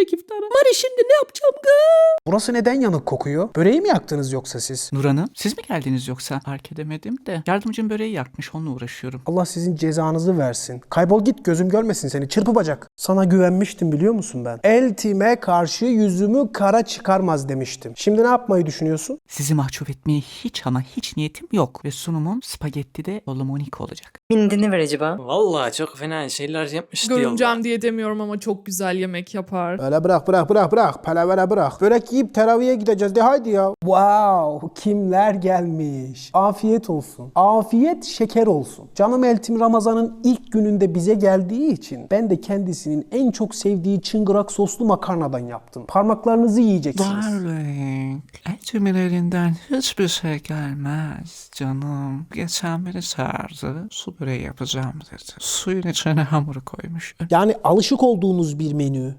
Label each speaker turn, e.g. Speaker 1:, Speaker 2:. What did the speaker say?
Speaker 1: gelecek iftara. Mari şimdi ne yapacağım gı?
Speaker 2: Burası neden yanık kokuyor? Böreği mi yaktınız yoksa siz?
Speaker 1: Nur Hanım, siz mi geldiniz yoksa? Fark edemedim de. Yardımcım böreği yakmış, onunla uğraşıyorum.
Speaker 2: Allah sizin cezanızı versin. Kaybol git, gözüm görmesin seni, çırpı bacak. Sana güvenmiştim biliyor musun ben? Eltime karşı yüzümü kara çıkarmaz demiştim. Şimdi ne yapmayı düşünüyorsun?
Speaker 1: Sizi mahcup etmeye hiç ama hiç niyetim yok. Ve sunumum spagetti de Solomonik olacak.
Speaker 3: Bindini ver acaba.
Speaker 4: Vallahi çok fena şeyler yapmış diyorlar.
Speaker 5: Görümcem diye demiyorum ama çok güzel yemek yapar.
Speaker 2: Öyle bırak. Palavra bırak. Börek yiyip teraviye gideceğiz de haydi ya. Wow, kimler gelmiş. Afiyet olsun. Afiyet şeker olsun. Canım Eltim Ramazan'ın ilk gününde bize geldiği için ben de kendisinin en çok sevdiği çıngırak soslu makarnadan yaptım. Parmaklarınızı yiyeceksiniz.
Speaker 1: Darling, Eltim'in elinden hiçbir şey gelmez canım. Geçen beni çağırdı, su böreği yapacağım dedi. Suyun içine hamuru koymuş.
Speaker 2: Yani alışık olduğunuz bir menü.